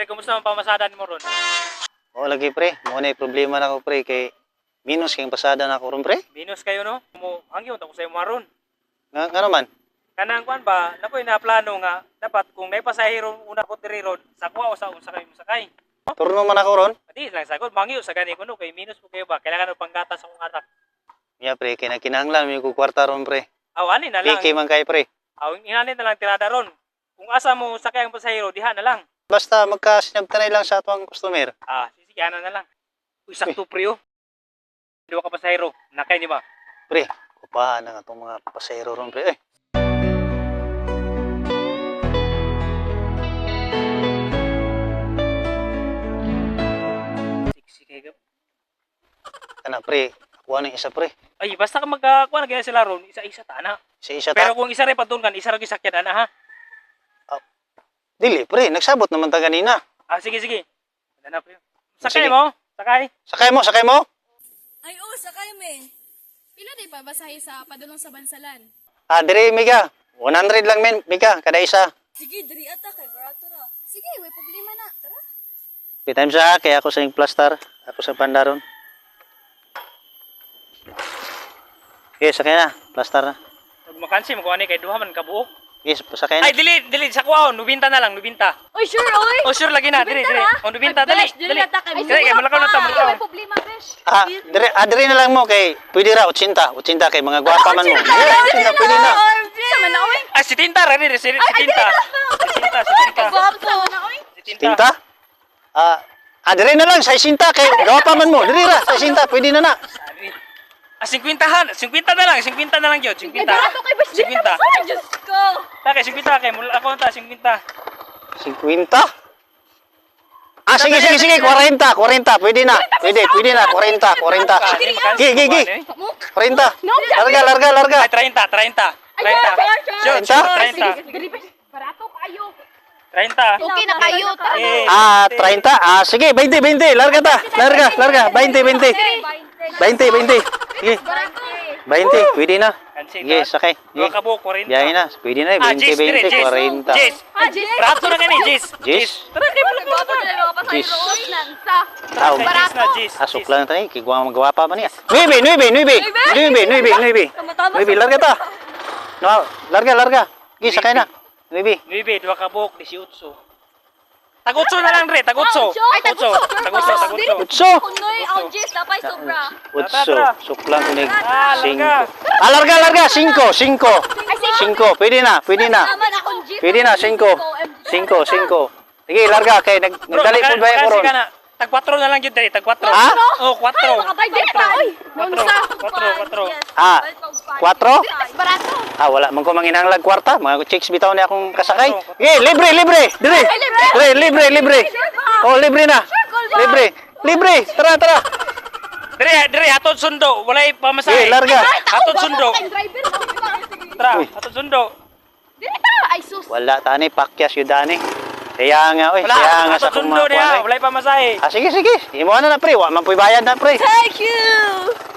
pre, kumusta ang pamasadan mo ron? O lagi pre, mo na problema na ko pre kay minus kay pasada na ko ron pre. Minus kayo no? Mo hangyo ta ko sa maron. Nga naman. Kanang kuan ba, nakoy na plano nga dapat kung naipasahero una ko diri ron, sakwa o sa sakay mo sakay. Turno man ako ron. Adi lang sagot, mangyo sa gani kuno kay minus mo kayo ba? Kailangan og panggatas akong anak. Ya pre, kay nakinahanglan mi ko kwarta ron pre. Aw ani na lang. Piki man kay pre. Aw inani na lang tirada ron. Kung asa mo sakay ang pasahero diha na lang. Basta magkasinabtanay lang sa atong customer. Sige ana na lang. Uy sakto pre oh. Duwa ka pasahero, nakay ni ba? Pre, kupahan na nga itong mga pasahero ron pre. Sige gap. Kana pre, kuha ng isa pre. Ay basta ka magkuha na gaya sila ron, isa-isa ta na. Isa-isa Pero ta. kung isa rin patulkan, isa rin sakyan ana ha. Dili pre, nagsabot naman ta ganina. Sige sige. Ano na pre? Sakay Sige. mo? Sakay. Sakay mo? Ay, sakay me. Pila di pa basahi sa padulong sa bansalan? Dire Mika. 100 lang men, Mika, kada isa. Sige, diri ata kay barato ra. Sige, way problema na. Tara. May time sa kaya ako sa yung plaster, ako sa pandaron. Okay, sakay na, plaster na. Pag makansi mo ni kay duha man ka buok. Yes, sakay na. Ay dili sa kuwaon, nubinta na lang, nubinta. Oy, sure, oy. Oh sure lagi na, dili. Oh nubinta dali. Dili ata kay. Dili kay malakaw na ta, malakaw. Way problema, besh. Dire na lang mo kay pwede ra 80 kay mga gwapa man mo. Yeah, pwede na. Sama na, oy. Si Tinta ra dili, si Tinta. Si Tinta. Gwapo na, oy. Si Tinta? Dire na lang sa 60 kay gwapa man mo. Dire ra sa 60 pwede na na. 50 na lang, 50 na lang gyud, 50. Barato kay besh. 50. Diyos ko. Takay 50 kay mula ako ta 50. 50? Sige, 40, pwede na. Pwede na, 40. Gi. 40. Larga. Ay 30. Sure, 30. Dili besh. Barato kayo. 30. Okay na kayo, tara. 30. Sige, 20. Larga. 20. Sige, 20, pwede na. Sige, sakay. Dua ka buok 40. Biyahe na, pwede na. 20, 40. Jis. Rato na gani, Jis. Jis? Tara kay mo Gwapo na lang mga pasahero. Nansa. Tao. Jis na Jis. Asok lang tayo, kigwa magwapa man niya. 9, larga ta. No, larga. Sige, sakay na. 9. Nuibe, dua ka buok 18. Tagutso na lang re, tagutso. Ay, tagutso. Tagutso. Utso. Kunoy, ang Jis, tapay sobra. Utso. Suklang kunig. larga. 5. Larga. 5. Pwede na. Naman akong Jis. Pwede na, 5. 5. Sige, larga. Kay nagdali po ba yung koron? Tag 4 na lang yun dali, tag 4. Ha? Oh, 4. Ay, makabay din pa, oy. Nansa. 4? Barato. Wala. Man ko manginahanglag kwarta. Mga chicks bitaw niya akong kasakay. Sige, libre. Dire. Libre. Oh, libre na. Libre. Tara. Dire, hatod sundo, walay pamasahe. Sige, larga. Hatod sundo. Driver. Tara, hatod sundo. Dili ta, ay sus. Wala, tani. Pakyas yun, dani. Kaya nga, Wala, sa hatod sundo niya, walay pamasahe. Sige. Imo na pre. Wa man po'y bayad na, pre. Thank you.